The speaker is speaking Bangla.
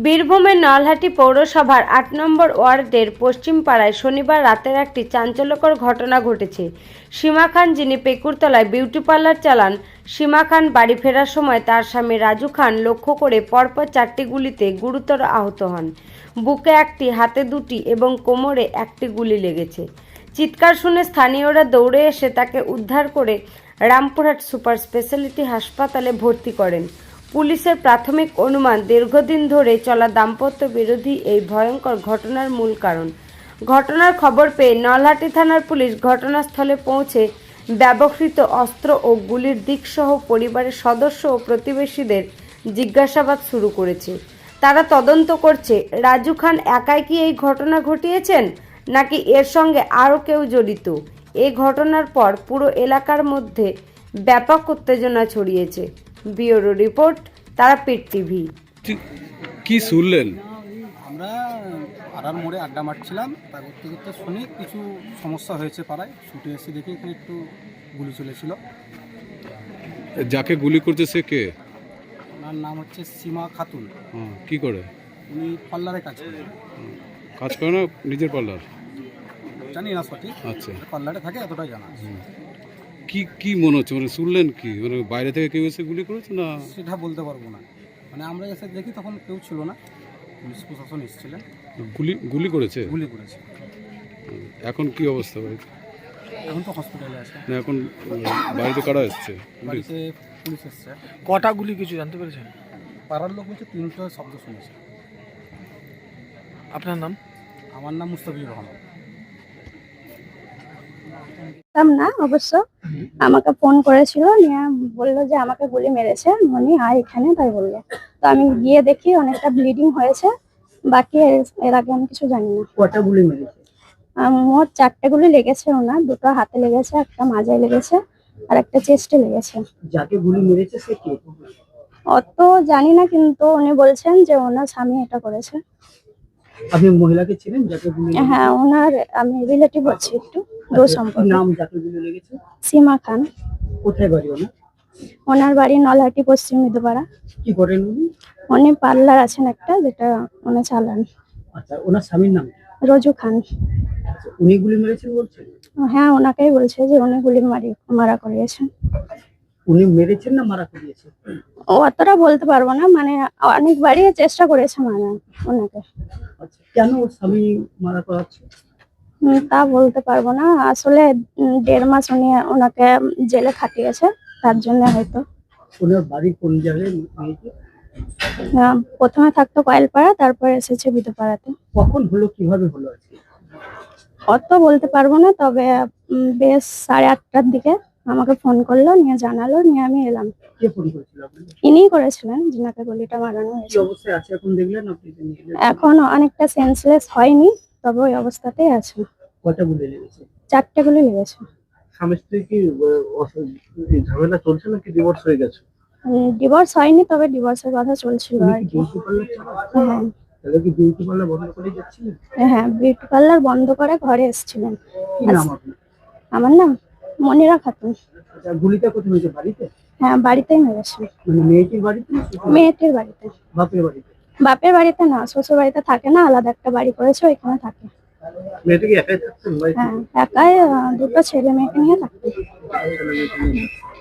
বীরভূমের নলহাটি পৌরসভার ৮ নম্বর ওয়ার্ডের পশ্চিম পাড়ায় শনিবার রাতের একটি চাঞ্চল্যকর ঘটনা ঘটেছে। সীমা খান, যিনি পেকুরতলায় বিউটি পার্লার চালান, সীমা খান বাড়ি ফেরার সময় তার স্বামী রাজু খান লক্ষ্য করে পরপর 4টি গুলিতে গুরুতর আহত হন। বুকে একটি, হাতে দুটি এবং কোমরে একটি গুলি লেগেছে। চিৎকার শুনে স্থানীয়রা দৌড়ে এসে তাকে উদ্ধার করে রামপুরহাট সুপার স্পেশালিটি হাসপাতালে ভর্তি করেন। পুলিশের প্রাথমিক অনুমান, দীর্ঘদিন ধরে চলা দাম্পত্য বিরোধী এই ভয়ঙ্কর ঘটনার মূল কারণ। ঘটনার খবর পেয়ে নলহাটি থানার পুলিশ ঘটনাস্থলে পৌঁছে ব্যবহৃত অস্ত্র ও গুলির দিকসহ পরিবারের সদস্য ও প্রতিবেশীদের জিজ্ঞাসাবাদ শুরু করেছে। তারা তদন্ত করছে রাজু খান একাই কি এই ঘটনা ঘটিয়েছেন নাকি এর সঙ্গে আরও কেউ জড়িত। এই ঘটনার পর পুরো এলাকার মধ্যে ব্যাপক উত্তেজনা ছড়িয়েছে। Bureau report, Tarapith TV. কি শুনলেন? আমরা পাড়ার মোড়ে আড্ডা মারছিলাম, তা করতে করতে শুনি কিছু সমস্যা হয়েছে পাড়ায়। ছুটে এসে দেখি এখানে একটু গুলি চলেছিল। যাকে গুলি করছে সে কে? ওনার নাম হচ্ছে সীমা খাতুন। কি করে? উনি পার্লারে কাজ করে। কাজ করে না নিজের পার্লার? জানি না সঠিক। আচ্ছা, পার্লারে থাকে এতটাই জানা আছে। কি কি মনে হচ্ছে, মানে শুনলেন কি, মানে বাইরে থেকে কেউ এসে গুলি করেছে না? সেটা বলতে পারবো না, মানে আমরা এসে দেখি তখন কেউ ছিল না, পুলিশ প্রশাসন এসেছিলেন। গুলি করেছে? গুলি করেছে। এখন কি অবস্থা বাড়িতে? এখন তো হসপিটালে আছে। না, এখন বাড়িতে কারা এসছে? বাড়িতে পুলিশ এসছে। কটা গুলি কিছু জানতে পেরেছেন? পাড়ার লোক বলছে 3টা শব্দ শুনেছে। আপনার নাম? আমার নাম মুস্তাফিজুর রহমান। না, অবশ্য আমাকে ফোন করেছিল, নিয়ে বললো যে আমাকে গুলি মেরেছে, মনি আয় এখানে, তাই বললো। তো আমি গিয়ে দেখি অনেকটা ব্লিডিং হয়েছে, বাকি এর আগে আমি কিছু জানি না। কটা গুলি মেরেছে? মোট 4টে গুলি লেগেছে ওনার, 2টো হাতে লেগেছে, একটা মাজায় লেগেছে আর একটা চেস্টে লেগেছে। যাকে গুলি মেরেছে সে কে? অত জানি না, কিন্তু উনি বলছেন যে ওনার স্বামী এটা করেছে। আপনি মহিলাকে ছিলেন যাকে গুলি লেগেছে? হ্যাঁ, ওনার আমি রিলেটিভ হচ্ছি, একটু দূর সম্পর্ক। নাম যাকে গুলি লেগেছে? সীমা খান। কোথায় বাড়ি ওনার? ওনার বাড়ি নলহাটি পশ্চিম মৃদুপাড়া। কি করেন উনি? উনি পার্লার আছেন একটা, যেটা উনি চালান। আচ্ছা, ওনার স্বামীর নাম? রজু খান। আচ্ছা, উনি গুলি মেরেছেন বলছেন? হ্যাঁ, ওনাকেই বলছে যে উনি গুলি মারা করিয়েছেন। উনি মেরেছেন না মারা করিয়েছে? ও অতটা বলতে পারবো না, মানে অনেকবারই চেষ্টা করেছে মানে ওনাকে। আচ্ছা, কেন ওর স্বামী মারা করাচ্ছে? তা বলতে পারবো না, আসলে 1.5 মাস উনি ওনাকে জেলে খাটিয়েছে, তার জন্য হয়তো। ওনার বাড়ি কোন জায়গায় মেয়েকে? প্রথমে থাকতো কয়েলপাড়া, তারপর এসেছে বিধুপাড়াতে। কখন হলো, কিভাবে হলো আজকে? অত বলতে পারবো না, তবে বেশ 8:30টার দিকে আমাকে ফোন করলো, নিয়ে জানালো, নিয়ে আমি এলাম। কে ফোন করেছিল আপনাকে? ইনিই করেছিলেন, যিনাকে গুলিটা মারানো কি হয়েছে। অবস্থায় আছে এখন দেখলেন আপনি? এখন অনেকটা সেন্সলেস হয়নি, তবে ওই অবস্থাতেই আছে। কটা গুলি লেগেছে? 4টে গুলি লেগেছে। স্বামী স্ত্রী কি ঝামেলা চলছে নাকি ডিভোর্স হয়ে গেছে? ডিভোর্স হয়নি, তবে ডিভোর্সের কথা চলছিল আর কি। হ্যাঁ তাহলে কি বিউটি পার্লার বন্ধ করে যাচ্ছিলেন? হ্যাঁ, বিউটি পার্লার বন্ধ করে ঘরে এসেছিলেন। কি নাম আপনার? আমার নাম মনিরা খাতুন। আচ্ছা, গুলিটা কোথায় হয়েছে? বাড়িতে? হ্যাঁ, বাড়িতেই মেরেছে। মানে মেয়েটির বাড়িতে? মেয়েটির বাড়িতে। বাপের বাড়িতে? বাপের বাড়িতে না, শ্বশুর বাড়িতে থাকে না, আলাদা একটা বাড়ি করেছে, ওইখানে থাকে। মেয়েটা কি একাই থাকতেন বাড়িতে? হ্যাঁ, একাই, 2টো ছেলে মেয়েকে নিয়ে থাকতো। ছেলে মেয়েকে নিয়ে?